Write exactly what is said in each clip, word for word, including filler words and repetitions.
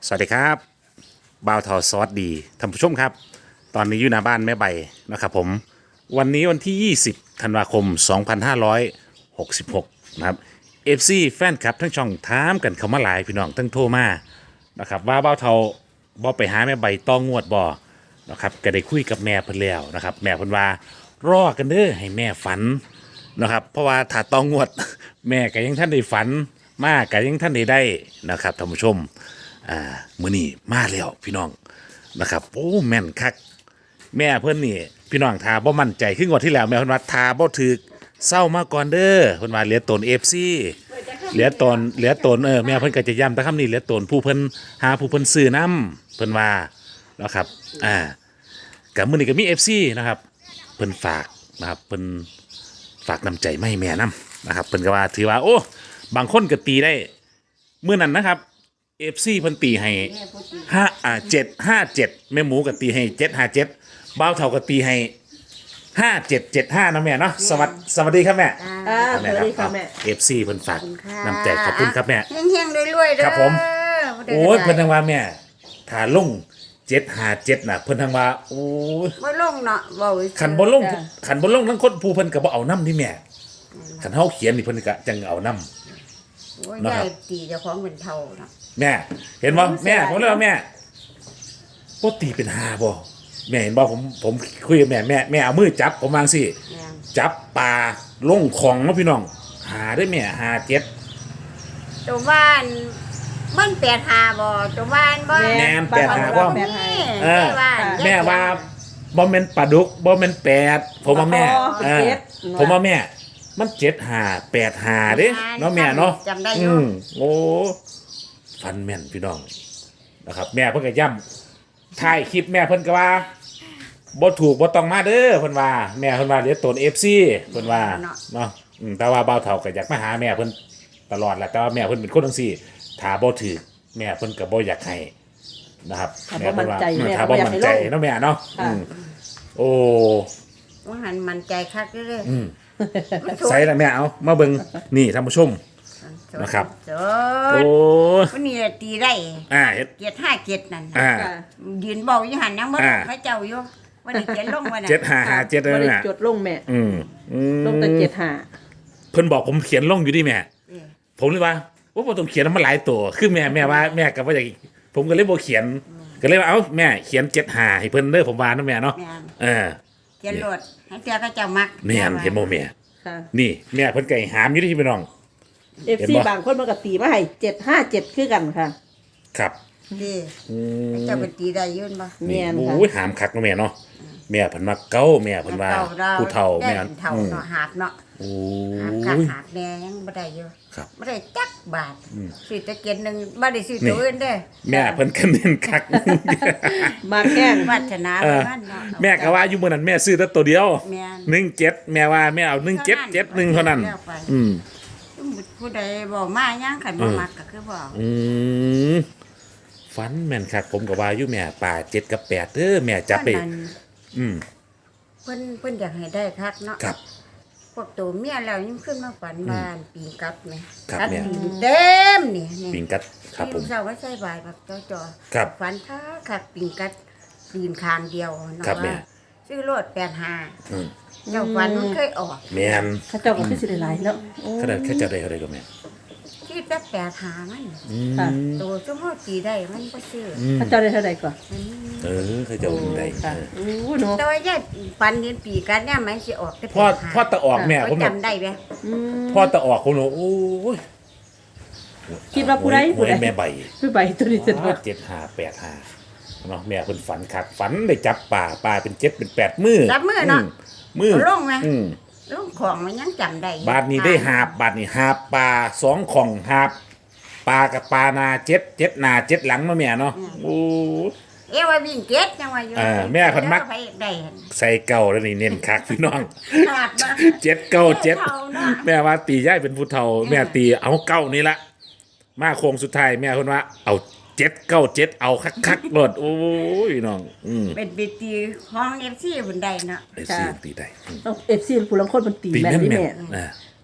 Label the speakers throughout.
Speaker 1: สวัสดีครับบ่าวทอซอสดีท่านผู้ชมครับ ตอนนี้อยู่หน้าบ้านแม่ใบนะครับผมวันนี้วันที่ยี่สิบธันวาคมสองพันห้าร้อยหกสิบหกนะครับเอฟซีแฟนคลับทั้งช่องถามกันเข้ามาหลายพี่น้องทั้งโทรมานะครับว่าบ่าวทอบ่ไปหาแม่ใบต้องงวดบ่นะครับก็ได้คุยกับแม่เพิ่นแล้วนะครับแม่เพิ่นว่ารอกันเด้อให้แม่ฝันนะครับเพราะว่าถ้าต้องงวด แม่ก็ยังท่านได้ฝันมากก็ยังท่านได้ได้นะครับท่านผู้ชม อ่ามื้อนี้มาแล้วพี่น้องนะครับโอ้แม่นคักแม่เพิ่นนี่พี่น้องทาบ่มั่นใจขึ้นกว่าที่แล้วแม่เพิ่นว่าทาบ่ถึกเศร้ามาก่อนเด้อเพิ่นว่าเหลือตน เอฟ ซี เหลือตนเหลือตนเออแม่เพิ่นก็จะย้ำแต่คำนี้เหลือตนผู้เพิ่นหาผู้เพิ่นซื้อนํเพิ่นว่านะครับอ่ากับมื้อนี้ก็มี เอฟ ซี นะครับเพิ่นฝากนะครับเพิ่นฝากน้ำใจมาให้แม่นํนะครับเพิ่นก็ว่าถือว่าโอ้บางคนก็ตีได้มื้อนั้นนะครับเอฟซีเพิ่นตีให้ห้าอ่าเจ็ดห้าเจ็ดแม่หมูก็ตีให้เจ็ดห้าเจ็ดบ้าวเท่าก็ตีให้ห้าเจ็ดเจ็ดห้านะแม่เนาะสวัสดีสวัสดีครับแม่
Speaker 2: อ่าสวัสดีค่ะแม่
Speaker 1: เอฟซีเพิ่นฝากน้ำใจขอบคุณครับแม่
Speaker 2: เฮงๆรวยๆเด้อ
Speaker 1: ครับผม โอ้ยเพิ่นทางว่าแม่ถ้าลงเจ็ดห้าเจ็ดน่ะเพิ่นทางว่าโอ้ย
Speaker 2: บ่ลงเนาะเว้า
Speaker 1: ขันบ่ลงขันบ่ลงทั้งคนผู้เพิ่นก็บ่เอาน้ำที่แม่ขันเฮาเขียนนี่เพิ่นก็จังเอาน้ำ
Speaker 2: โอ้ย
Speaker 1: นะค
Speaker 2: ยา
Speaker 1: รับ
Speaker 2: ยตีเจ้าของเป็นเท่าเนาะ
Speaker 1: แม่ เห็นบ่แม่ผมเลยว่าแม่บ่ตีเป็นห้าบ่แม่เห็นบ่ผมผมคุยกับแม่แม่แม่เอามือจับผมวาจังซี่
Speaker 2: แม่น
Speaker 1: จับปลาลงของเนาะพี่น้องหาได้แม่หาเจ็ด
Speaker 2: ตัวบ้านมันแปดหาบ่ตัวบ้านบ่
Speaker 1: แม่นแปดหาบ่
Speaker 2: นี่
Speaker 1: เออ
Speaker 2: บ้าน
Speaker 1: แม่ว่าบ่แม่นปลาดุกบ่แม่นแปดผมว่าแม่เออผมว่าแม่ มันเจ็ดหาแปดหาเด้เนาะแม่เนาะ
Speaker 2: จำได้อ
Speaker 1: อื
Speaker 2: ยู่
Speaker 1: มโอ้ฟันแม่นพี่น้องนะครับ แม่เพิ่นก็ย้ำถ่ายคลิปแม่เพิ่นก็ว่าบ่ถูกบ่ต้องมาเด้อเพิ่นว่าแม่เพิ่นว่าเดี๋ยวตน เอฟ ซี เพิ่นว่าเนาะอืมแต่ว่าบ่าวเฒ่าก็อยากมาหาแม่เพิ่นตลอดแหละแต่ว่าแม่เพิ่นเป็นคนจังซี่ถ้าบ่ถูกแม่เพิ่นก็บ่อยากให้นะครับ
Speaker 3: ถ้า
Speaker 1: แม่
Speaker 3: บ่มั่
Speaker 1: เพิ่น
Speaker 3: น
Speaker 1: ว่า
Speaker 3: ใจ
Speaker 1: อืม
Speaker 3: แม่
Speaker 1: ถ้า
Speaker 3: ก็
Speaker 1: บ่
Speaker 3: บ่อยาก
Speaker 1: มั่น
Speaker 3: ให้
Speaker 1: ใจ
Speaker 3: ลง
Speaker 1: เนาะแม่เนาะ
Speaker 3: ค่ะ
Speaker 1: อืมโอ้
Speaker 2: ว่าหันมันใจคักเด้อ
Speaker 1: อืม
Speaker 2: มันสวย
Speaker 1: ใส่ละแม่เอามาเบิ่งนี่ท่านผู้ชม นะครับ
Speaker 2: ส
Speaker 1: โอ้
Speaker 2: ดวันนี้ตีได้
Speaker 1: อ่าเฮ็ด
Speaker 2: เกียรติห้าเกียรตินั่น
Speaker 1: อ่า
Speaker 3: ค่ะ
Speaker 2: ยืนเบาอยู่หันยังบ่
Speaker 1: อ่า
Speaker 2: เขาเจ้าอยู่วันนี้เขียนลงวันน่ะ
Speaker 1: เจ็ดห้าห้าเจ็ด
Speaker 3: บ่
Speaker 1: นั่น
Speaker 3: ได้
Speaker 1: น่ะ
Speaker 3: จดลงแม่
Speaker 1: อืมอืม
Speaker 3: ลงแต่เจ็ดห้า
Speaker 1: เพิ่นบอกผมเขียนลงอยู่ดิแม่
Speaker 2: เออ
Speaker 1: ผมเลยว่าว่าผมต้องเขียนมันหลายตัวคือแม่แม่ว่าแม่ก็ว่าอย่างผมก็เลยบ่เขียน ก็เลยว่าเอ้าแม่เขียนเจ็ดหาให้เพิ่นเด้อผมว่านะแม่เนาะ
Speaker 2: แม่น
Speaker 1: เออ
Speaker 2: เขียนโลดให้เจ้าเขาเจ้ามัก
Speaker 1: แม่นเห็นบ่แม่
Speaker 3: ค่ะ
Speaker 1: นี่แม่เพิ่นก็ให้หามอยู่ที่พี่น้อง
Speaker 3: เอฟ
Speaker 1: เห็น
Speaker 3: ซี
Speaker 1: บ่
Speaker 3: บางคนมันก็ตีมาให้เจ็ดห้าเจ็ดคือกันค่ะ
Speaker 1: ครับ
Speaker 2: ดี
Speaker 1: อืม
Speaker 2: เจ้าเป็นตีได้อยืนบ่
Speaker 3: แม่นค่ะ
Speaker 1: โอ้ยหามคักเนาะแม่เนาะแม่เพิ่นมาเก้าแม่เพิ่นว่า
Speaker 2: เก่
Speaker 1: ผู้เฒ่า
Speaker 2: ได้
Speaker 1: แม่
Speaker 2: เป็นเฒ่า
Speaker 1: อืม
Speaker 2: เนาะหาบเนาะ
Speaker 1: โอ้
Speaker 2: หาบคัก
Speaker 1: ย
Speaker 2: หาบแดงยังบ่ได้อยู่
Speaker 1: ครับ
Speaker 2: บ่ได้จักบาท
Speaker 1: อืม
Speaker 2: ซื้อตะเกียนหนึงบ่ได้ซื้อ
Speaker 1: นี่
Speaker 2: ตัวอื่นเด้อ
Speaker 1: แม่เพิ่นก็เน้นคัก
Speaker 3: มาแกล้ง
Speaker 2: วาสนา
Speaker 1: เอ
Speaker 2: ป
Speaker 1: อ
Speaker 2: ระมาณเนาะ
Speaker 1: แม่ก็ว่าอยู่มื้อนั้นแม่ซื้อแต่ตัวเดียว
Speaker 2: แม่น
Speaker 1: หนึ่งเจ็ดแม่ว่าแม่เอาหนึ่งเจ็ดเจ็ดหนึ่งเท่านั้น
Speaker 2: แล้วไป
Speaker 1: อืม
Speaker 2: ผู้ใดบอกมายังคันบ่มักก็คือบ่
Speaker 1: อืมฟันแม่นคักผมก็ว่าอยู่แม่ป่าเจ็ดกับแปดเด้อแม่จับไป
Speaker 2: นั่น
Speaker 1: อืม
Speaker 2: เพิ่นเพิ่นอยากให้ได้คักเนาะ
Speaker 1: ครับ
Speaker 2: พวกตัวเมียแล้วยังขึ้นมาฝันบ้านปีกัดไหม
Speaker 1: ครับ
Speaker 2: กัด
Speaker 1: แม่
Speaker 2: ปีเต็มนี่นี่
Speaker 1: ปิงกัดครับผม
Speaker 2: ที่เช้าว่าใส่บายแบบจอจอ
Speaker 1: ครับ
Speaker 2: ฝันคักคักปีกัดปีนคางเดียวเนาะ
Speaker 1: ครับแม่
Speaker 2: ว่าซื้อรถแปดห้า
Speaker 1: อืม
Speaker 2: เจ้าฝันมันเคยออก
Speaker 1: แม่น
Speaker 3: เขาเจ้าก็คือสิได้หลายเนาะโอ้
Speaker 1: ขนาดแค่จะได้เท่าไรก็แม่
Speaker 2: ที่แต่แปดห้ามัน
Speaker 1: อืม
Speaker 3: ค่ะ
Speaker 2: ตัวชั่วโมงตีได้มันก็ซื้อ
Speaker 1: อืม
Speaker 3: เขาเจ้าได้เท่าไหร่ก่อน
Speaker 2: มัน
Speaker 1: เออเขาจะเอาเงินได้
Speaker 3: ค่ะ
Speaker 1: เออ
Speaker 3: โอ้เนาะ
Speaker 2: แต่ว่าย่ายฝันเห็นปีกัดเนี่ยมันสิออกแต่
Speaker 1: พ่อ
Speaker 2: แปดห้า
Speaker 1: พ่อตะออกแม่ผม
Speaker 2: ก็
Speaker 1: บอก
Speaker 2: จำได้ไหม
Speaker 3: อืม
Speaker 1: พ่อตะออกผมบอกโอ้ย
Speaker 3: คิดว่าผู้ใด
Speaker 1: ห
Speaker 3: ผู้
Speaker 1: วย
Speaker 3: ใด
Speaker 1: แม่ใบ
Speaker 3: ผู้ใบตัวนี้จะโดน
Speaker 1: เจ็ดห้าแปดห้าเนาะแม่เพิ่นฝันคักฝันได้จับป่าป่าเป็นเจ็ดเป็นแปดมือ
Speaker 2: จับมือเนาะ
Speaker 1: มือ
Speaker 2: เอาลงไหม
Speaker 1: อืม
Speaker 2: ลูกของมันยังจำได้อยู่
Speaker 1: บาทนี้ได้หาบบาทนี้หาบปลาสองของหาบปลากับปลานาเจ็ดเจ็ดหนาเจ็ดหลังมาแม่เนาะโอ้
Speaker 2: เอว่าวิ่งเก็ตยังว่าอยู่
Speaker 1: เออแม่เพิ่นมัก
Speaker 2: ไปได้
Speaker 1: ใส่เก่าแล้วนี่เน้นคักพี่น้อง
Speaker 2: ขาดมา
Speaker 1: เจ็ดเก้าเจ็ด
Speaker 2: เท่าเนาะ
Speaker 1: แม่ว่าตีย่ายเป็นผู้เฒ่าแม่ตีเอาเก้านี่ละมาโค้งสุดท้ายแม่เพิ่นว่าเอาเจ็ดเก้าเจ็ดเอาคักคักๆโลดโอ้ยพี่น้องอืม
Speaker 2: เป็นปีตีห้องเอฟซีบนใดเนาะ
Speaker 1: ไอ้ซีตีได้อืม
Speaker 3: เอฟซีผู้ลังคนมันตี
Speaker 1: ตี
Speaker 3: แม่น
Speaker 1: แม่น
Speaker 3: นี่
Speaker 1: แม่
Speaker 3: แม่
Speaker 1: นอ่า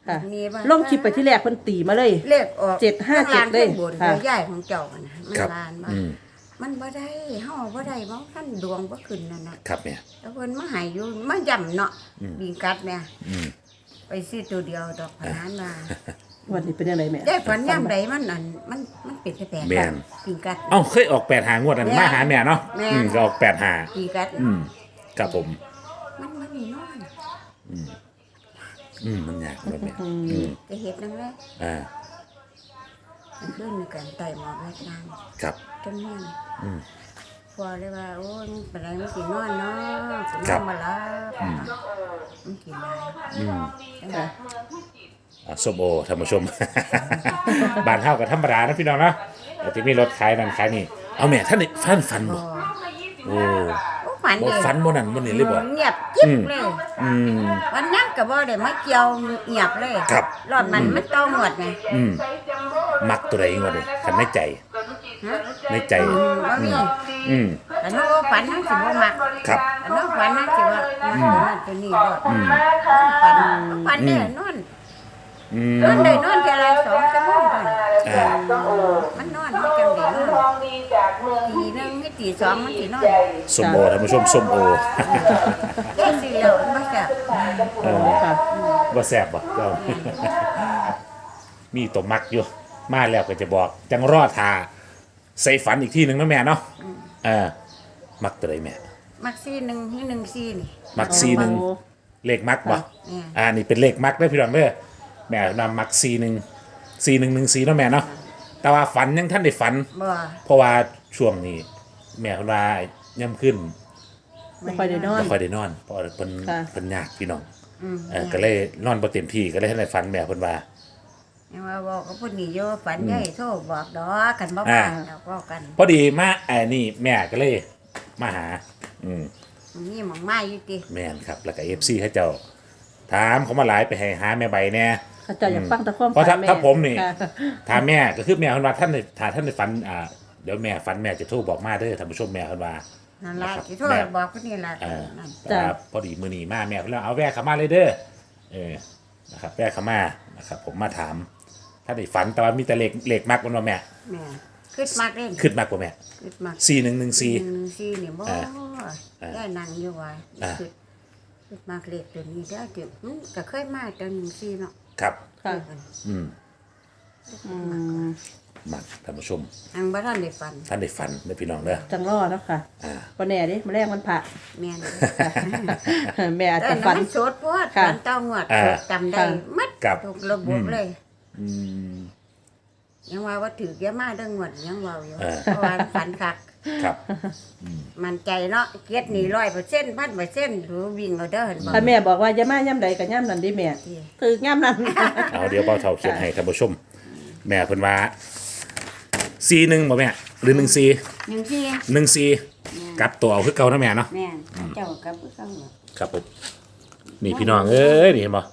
Speaker 3: ค่ะ
Speaker 2: มีบ้าง
Speaker 3: ลงคลิปไปที่แรกเพิ่นตีมาเลย
Speaker 2: เลขออก
Speaker 3: เจ็ดห้าเจ็ด
Speaker 2: ข้ง
Speaker 3: เลย
Speaker 2: ข้างบน
Speaker 3: ค่ะ
Speaker 2: ตัวใหญ่ของเจ้ากันนะมัน
Speaker 1: ครับ
Speaker 2: ลานมา
Speaker 1: อืม
Speaker 2: มันบ่ได้เฮาบ่ได้บ่ท่านดวงบ่ขึ้นนั่นน่ะ
Speaker 1: ครับแม่
Speaker 2: แล้วเพิ่นมาให้อยู่มาย่ำเนาะ
Speaker 1: อืม
Speaker 2: บิงกัดแม่
Speaker 1: อืม
Speaker 2: ไปซื้อตัวเดียวดอกพนันมา
Speaker 3: วันนี้เป็นยังไงแม่
Speaker 2: ได้ฝันย่ำใดมันนั่นมันมันเป็นแปลกๆ
Speaker 1: แม่น
Speaker 2: บิงกัด
Speaker 1: เอ้าเคยออกแปดหางวดนั้น
Speaker 2: แม่
Speaker 1: มาหาแม่เนาะ
Speaker 2: แม่
Speaker 1: อืมก็ออกแปดหา
Speaker 2: บิงกัด
Speaker 1: อืมครับผม
Speaker 2: มันมันนี่นอน
Speaker 1: อืมมันยากแบบเนี้ย
Speaker 3: อืม
Speaker 1: อืม
Speaker 2: จะเฮ็ดนั่นแหละ
Speaker 1: อ่า
Speaker 2: มันขึ้นในกันไต่หมอกไว้นาง
Speaker 1: ครับ
Speaker 2: จนมัน
Speaker 1: อืม
Speaker 2: พอเลยว่าโอ้ยมันเป็นไรมันสินอนเนาะสิน
Speaker 1: ครั
Speaker 2: อบ นมาลับ
Speaker 1: อืม
Speaker 2: มันกินได้
Speaker 1: อืม
Speaker 3: ค่ะ
Speaker 1: อ่ะส้มโอท่านผู้ชม บ้านเฮากับธรรมดานะพี่น้องเนาะแต่ที่มีรถขายนั่นขายนี่เอาแม่ท่านนี่ฟันฟัน
Speaker 2: พ
Speaker 1: บ่
Speaker 2: อ
Speaker 1: โอ้
Speaker 2: โอ้ฝัน
Speaker 1: บ่
Speaker 2: เลย
Speaker 1: ฟันบ่นั่นบ่นี่เลยบ่
Speaker 2: เงียบจิ๊บ
Speaker 1: อืม
Speaker 2: เลย
Speaker 1: อืม
Speaker 2: วันนั้นก็บ่ได้มาเกี่ยวเงียบเลย
Speaker 1: ครับ
Speaker 2: รอบมันมันต้องหมดไง
Speaker 1: อืมมักตัวใดงวดนี่คันในใจ
Speaker 2: ฮะ
Speaker 1: ในใจ
Speaker 2: อืมบ่มี
Speaker 1: อืม
Speaker 2: แต่น้องว่าฝันทั้งสิบ่มัก
Speaker 1: ครับ
Speaker 2: แต่น้องฝันทั้งสิว่ามักตัวนั้นตัวนี้รอด
Speaker 1: อืม
Speaker 2: ฝันฝันเนี่ยนอน
Speaker 1: อืม
Speaker 2: นอนได้นอนแค่ละสองชั่วโมงเท่านั้น
Speaker 1: อ่า
Speaker 2: มันนอนมันจังได้นอนตีหนึงให้ตีสองมันสินอน
Speaker 1: ส้มโอท่านผู้ชมส้มโอ
Speaker 2: แค่สิแล้วมันบ่แซ่บ
Speaker 1: เออ
Speaker 3: ค่ะ
Speaker 1: บ่แซ่บบ่เจ้า มีตัวมักอยู่ มาแล้วก็จะบอก จังรอดทาใส่ฝันอีกที่หนึ่งนะแม่เนาะเออมักตัวใดแม่
Speaker 2: มักซี่หนึ่งให้หนึ่งซี่นี่
Speaker 1: มักซีหนึ่ง
Speaker 3: โอ้
Speaker 1: เลขมักบ่
Speaker 2: เนี่ย
Speaker 1: อ่านี่เป็นเลขมักได้อพี่น้องเด้อแม่นำมักซีหนึ่งซีหนึ่งหนึ่งซีเนาะแม่เนาะแต่ว่าฝันยังท่านได้ฝัน
Speaker 2: บ่
Speaker 1: เพราะว่าช่วงนี้ แม่เพิ่นว่าย่ำขึ้น
Speaker 3: ไม่ค่อยได้นอน
Speaker 1: บ่ค่อยได้นอนเพราะว่าเพิ่น
Speaker 3: ค่ะ
Speaker 1: เพิ่นยากพี่น้อง
Speaker 2: อืม
Speaker 1: เออก็เลยนอนบ่เต็มที่ก็เลยให้ได้ฝันแม่เพิ่นว่า
Speaker 2: ยังว่าบอกกับผู้นี้โยฝันใหญ่โทรบอกดอกกันบ่
Speaker 1: อ่า
Speaker 2: ว่าเราก็กัน
Speaker 1: พอดีมาไอ้นี่แม่ก็เลยมาหา อืม
Speaker 2: นี่หมองไม้อยู่ติ
Speaker 1: แม่นครับ แล้วก็ เอฟ ซี ให้เจ้า ถามเขามาหลายไปให้หาแม่ใบแน่
Speaker 3: เขาเจะอยากฟังแตะความ
Speaker 1: เพราะถ้า
Speaker 3: ฝันแม่
Speaker 1: ถ้าผมนี่
Speaker 3: ค่ะ
Speaker 1: ถามแม่ก็คือแม่คนว่าท่านได้ถ้าท่านได้ฝันอ่าเดี๋ยวแม่ฝันแม่จะโทรบอกมาเด้อท่านผู้ชมแม่คนว่า
Speaker 2: นั่นล่ะ
Speaker 1: นะครับ
Speaker 2: สิโทร
Speaker 1: แม่
Speaker 2: บอกผู้นี้ล่ะ
Speaker 1: เออ
Speaker 2: นั่น
Speaker 1: แต่ว่าพอดีมือนีมาแม่เพิ่นแล้วเอาแวะเข้ามาเลยเด้อเออนะครับแวะเข้ามานะครับผมมาถามถ้าได้ฝันแต่ว่ามีแต่เลขเลขมากกว่าแม่
Speaker 2: แม่คิดมากเล่น
Speaker 1: ขึ้นมากกว่าแม่
Speaker 2: คิดมาก
Speaker 1: สี่หนึ่งหนึ่งสี่
Speaker 2: หนึ่งซี่นี่บ่
Speaker 1: อ่าอ่า
Speaker 2: ได้นั่งอยู่ว่า
Speaker 1: อ่า
Speaker 2: คิดคิดมากเลขตัวนี้ได้อติอืมก็เคยมาตัวหนึ่งซี่เนาะ
Speaker 1: ครับ
Speaker 3: ค่ะ
Speaker 1: อืม
Speaker 3: อืม
Speaker 1: มักท่านผู้ชม
Speaker 2: อังบ่ทันได้ฝัน
Speaker 1: ท่านได้ฝันเด้อพี่น้องเด้อ
Speaker 3: จังรอเนาะค่ะ
Speaker 1: อ่า
Speaker 3: วันแน่ดิมาแรกมันผ่า
Speaker 2: แม่น
Speaker 3: แม่อาจ
Speaker 2: แต่
Speaker 3: จะ
Speaker 2: นั้
Speaker 3: ฝั
Speaker 2: น
Speaker 3: น
Speaker 2: มันโสดโพด
Speaker 3: ค่ะ
Speaker 2: ฝันเต้างวด
Speaker 1: อ่า
Speaker 2: จำได้
Speaker 3: ค่ะ
Speaker 2: มัด
Speaker 1: ครับ
Speaker 2: ทุกระบบเลย
Speaker 1: อืม
Speaker 2: ยังว่าว่าถือเยอะมากเรื่องงวดยังเว่าอยู่
Speaker 1: เออ
Speaker 2: เพราะว่าฝันคัก
Speaker 1: ครับ
Speaker 2: มันใจเนาะเกียรตินี่ร้อยเปอร์เซ็นต์พันเปอร์เซ็นต์หรือวิ่งเอาเด้อเห็นบ่
Speaker 3: ถ้าแม่บอกว่าอย่ามาย่ำใดกับย่ำนั้นดิแม่
Speaker 2: ที่
Speaker 3: คือย่ำนั้น
Speaker 1: เอาเดี๋ยวเบาเท่าเขียนให้ท่านผู้ชม แม่เพิ่นว่าซีหนึ่งบ่แม่หรือหนึ่งซี
Speaker 2: หนึ่งที่
Speaker 1: หนึ่งซีกลับตัวเอาคือเก่านะแม่เนาะ
Speaker 2: แม่นเจ้ากับผู้เข้าเหรอ
Speaker 1: ครับผมนี่พี่น้องเอ้ยนี่เห็นบ่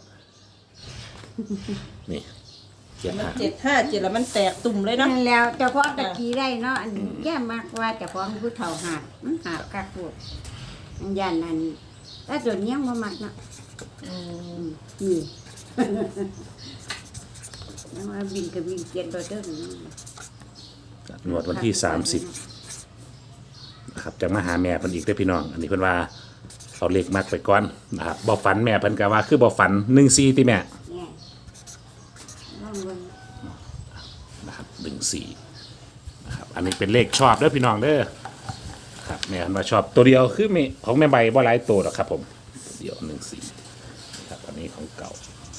Speaker 1: นี่เจ็ด
Speaker 3: มัน
Speaker 1: ห้า
Speaker 3: เจ็ดห้าเจ็ดแล้วมันแตกตุ่มเลยเนาะ
Speaker 2: นั่นแล้วเจ้าของตะกี้ได้เนาะอันแย่มากว่าเจ้าของผู้เฒ่าหาดมันหาบคักพูดอันยันนั่นแต่ส่วนยังบ่มักเนาะนี่ ยังว่าวิ่งกับวิ่งเกียรติบ่เด้อเนาะ
Speaker 1: หนวดวันที่สามสิบนะครับจะมาหาแม่เพิ่นอีกเด้อพี่น้อง อันนี้เพิ่นว่าเอาเลขมักไปก่อนนะครับบ่ฝันแม่เพิ่นก็ว่าคือบ่ฝันหนึ่งซีติแม่
Speaker 2: เนี่ยลองเบิ่ง
Speaker 1: นะครับหนึ่งสี่นะครับอันนี้เป็นเลขชอบเด้อพี่น้องเด้อครับแม่คันว่าชอบตัวเดียวคือแม่ของแม่ใบบ่หลายตัวหรอกครับผมตัวเดียวหนึ่งสี่ครับอันนี้ของเก่า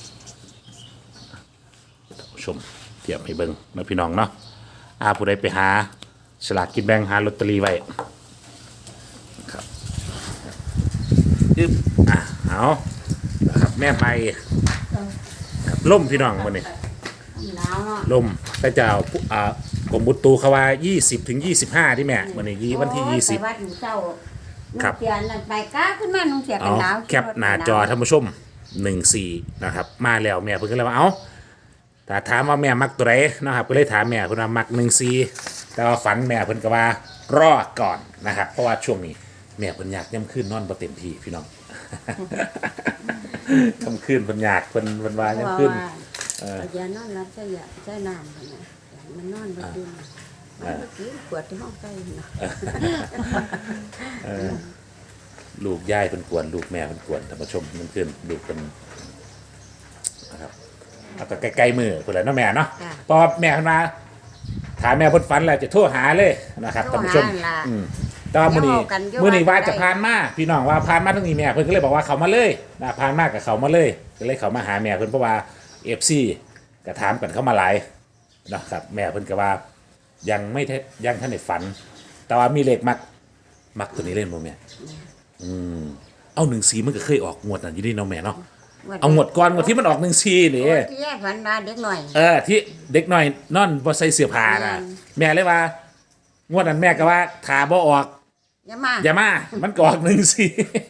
Speaker 1: ท่านผู้ชมเทียบให้เบิ่งนะพี่น้องเนาะอาผู้ใดไปหาฉลากกินแบ่งหาลอตเตอรี่ไว้ครับอึ๊บอ่ะเอานะครับแม่ใบครับล่มพี่น้องวันนี้
Speaker 2: หนาวเนาะ
Speaker 1: ลมพระเจ้าผู้อ่ากรมบุตรูเขาว่ายี่สิบถึงยี่สิบห้าที่แม่วันนี้ยี่วันที่ยี่สิบ
Speaker 2: ไปวัดอยู่เจ้า
Speaker 1: ครับ
Speaker 2: นุ่งเสียนั่นไปก้าขึ้นมานุ่งเสียกั
Speaker 1: เอา
Speaker 2: นหนาว
Speaker 1: แคปหน้าจอท่านผู้ชมหนึ่งสี่นะครับมาแล้วแม่เพิ่งก็เลยว่าเอาแต่ถามว่าแม่มักตัวไหนนะครับก็เลยถามแม่เพิ่นว่ามักหนึ่งสี่แต่ว่าฝันแม่เพิ่นก็ว่ารอก่อนนะครับเพราะว่าช่วงนี้แม่เพิ่นอยากย่ำขึ้นนอนบ่เต็มที่พี่น้องคำคืนเพิ่นอยากเพิ่นเพิ่นว่า
Speaker 2: เพ
Speaker 1: ยัง
Speaker 2: ราะ
Speaker 1: ขึ้น
Speaker 2: ว่า
Speaker 1: เออ
Speaker 2: เอายานอนรับใช้ยาใช้น้ำกันนะมันนอนบ่ดื่มมันก็กินขวดที่ห้องใต้นะ
Speaker 1: เออลูกยายเพิ่นกวนลูกแม่เพิ่นกวนท่านผู้ชมมันขึ้นลูกเพิ่นนะครับเอาก็ใกล้ๆมือพุ่นแหละเนาะแม่เนาะ
Speaker 2: จ้ะ
Speaker 1: เพอแม่เพิ่นมาถามแม่เพิ่นฝันแล้วจะโทรหาเลยนะครับ
Speaker 2: โทร
Speaker 1: ท่านผู้ชม
Speaker 2: หาล่ะ
Speaker 1: อืมแต่ว่ามื้อนี้
Speaker 2: เดี๋ยวเอากันอยู่
Speaker 1: มื้อนี้ว่า
Speaker 2: ว่าจะ
Speaker 1: จะ
Speaker 2: ได้
Speaker 1: ผ่านมาพี่น้องว่าผ่านมาทางนี้แม่เพิ่นก็เลยบอกว่าเขามาเลยนะผ่านมากับเขามาเลยก็เลยเขามาหาแม่เพิ่นเพราะว่า เอฟ ซี ก็ถามกันเข้ามาหลายนะครับแม่เพิ่นก็ว่ายังไม่ทันยังท่านได้ฝัน แต่ว่ามีเลขมักมักตัวนี้เล่นบ่แม่อืมเอาหนึ่งสีมันก็เคยออกงวดนั้นอยู่ดีเนาะแม่เนาะเอางวดก่อนงวดที่มันออกหนึ่งสีนี่
Speaker 2: โอ้ยที่แยกฝันมาเด็กหน่อย
Speaker 1: เออที่เด็กน้อยนอนบ่ใส่เสื้อผ้าน่ะแม่เลยว่างวดนั้นแม่ก็ว่าถ้าบ่ออก
Speaker 2: อย่ามา
Speaker 1: อย่ามา มันก็ออกหนึ่งสี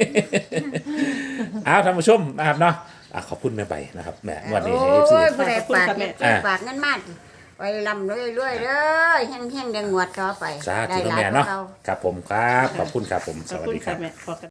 Speaker 1: เอาท่านผู้ชมนะครับเนาะอ่ะขอบคุณแม่ใบนะครับแม่งวันนี้ให้
Speaker 2: โอ้
Speaker 1: เอฟซี
Speaker 2: ยผู้ใดฝาก
Speaker 3: ขอบคุณครับแม่
Speaker 2: เงินฝากเงินมาไปลำเรื่อยๆเด้อแห้งๆเดงงวดต่อไป
Speaker 1: สาธุ
Speaker 2: ได้หลาย
Speaker 1: แม่
Speaker 2: กว่า
Speaker 1: เนาะ
Speaker 2: เรา
Speaker 1: ครับผมครับ ขอบคุณครับผม
Speaker 3: ข
Speaker 1: ส
Speaker 3: อบ
Speaker 1: วัส
Speaker 3: คุณ
Speaker 1: ดีครั
Speaker 3: ค่ะ
Speaker 1: บ
Speaker 3: แม่ขอบคุณ